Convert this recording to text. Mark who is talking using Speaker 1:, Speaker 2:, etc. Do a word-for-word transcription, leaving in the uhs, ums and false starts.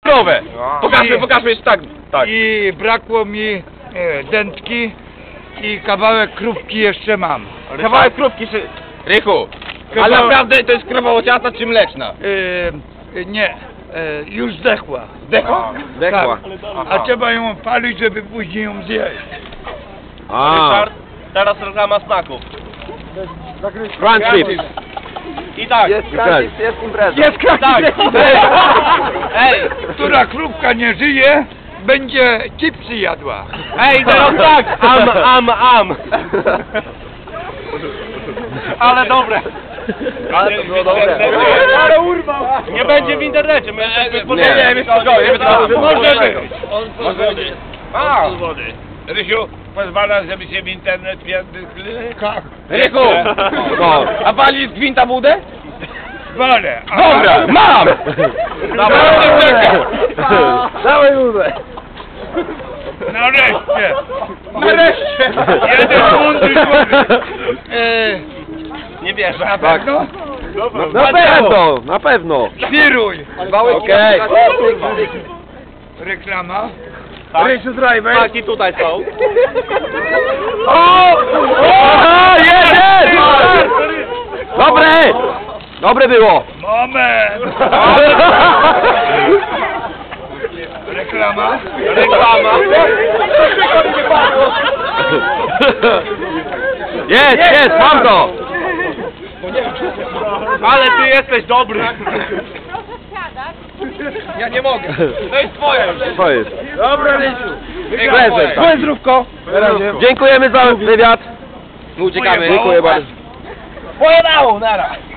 Speaker 1: ekstrowe. Pokażmy, pokażmy jeszcze tak. tak.
Speaker 2: I brakło mi e, dętki i kawałek krówki jeszcze mam.
Speaker 1: Kawałek krówki czy... Rychu,
Speaker 2: Kawał...
Speaker 1: ale naprawdę to jest krowa ociata czy mleczna?
Speaker 2: E, nie, e, już zdechła.
Speaker 1: Zdechła?
Speaker 2: Zdechła. Tak. A trzeba ją palić, żeby później ją zjeść.
Speaker 3: A,
Speaker 4: Ryszard, teraz reklama smaków.
Speaker 3: crunch chips.
Speaker 4: I tak.
Speaker 3: Jest crunch, jest impreza.
Speaker 2: Jest
Speaker 4: Tak.
Speaker 2: Ej, która krówka nie żyje, będzie chipsy jadła.
Speaker 4: Ej, teraz tak. Am, am, am. Ale dobre.
Speaker 3: Ale to było dobre.
Speaker 4: Ale urwał. Nie będzie w internecie. My jesteśmy
Speaker 1: Nie, nie, jest spokojnie.
Speaker 2: Może być.
Speaker 1: Może być.
Speaker 4: A.
Speaker 5: Rysiu, pozwalasz, żeby się w internet pierdykli?
Speaker 2: Tak,
Speaker 1: Rychu,
Speaker 3: No.
Speaker 1: a wali z gwinta budę?
Speaker 2: walę. A-
Speaker 1: Dobra, mam!
Speaker 3: Dawaj budę.
Speaker 2: Nareszcie.
Speaker 1: Nareszcie!
Speaker 2: Jeden mądry człowiek. E,
Speaker 4: Nie wierzę.
Speaker 2: na
Speaker 3: Tak.
Speaker 2: pewno?
Speaker 3: Na pewno, na pewno.
Speaker 2: Świruj.
Speaker 3: Okej.
Speaker 2: Reklama.
Speaker 4: Rysiu Driver. Tak, i tutaj są.
Speaker 3: O! O! Jest, jest! Dobre! Dobre było.
Speaker 2: Moment. Reklama.
Speaker 4: Reklama.
Speaker 3: Jest, jest, mam to!
Speaker 4: Ale ty jesteś dobry.
Speaker 1: Ja nie mogę. To jest twoje już.
Speaker 3: To jest.
Speaker 2: Dobra, Rysiu.
Speaker 3: Prezent.
Speaker 1: Twoje zdrówko.
Speaker 3: Dziękujemy za wywiad.
Speaker 1: My uciekamy.
Speaker 3: Dziękuję bardzo.
Speaker 1: Pojebało, nara.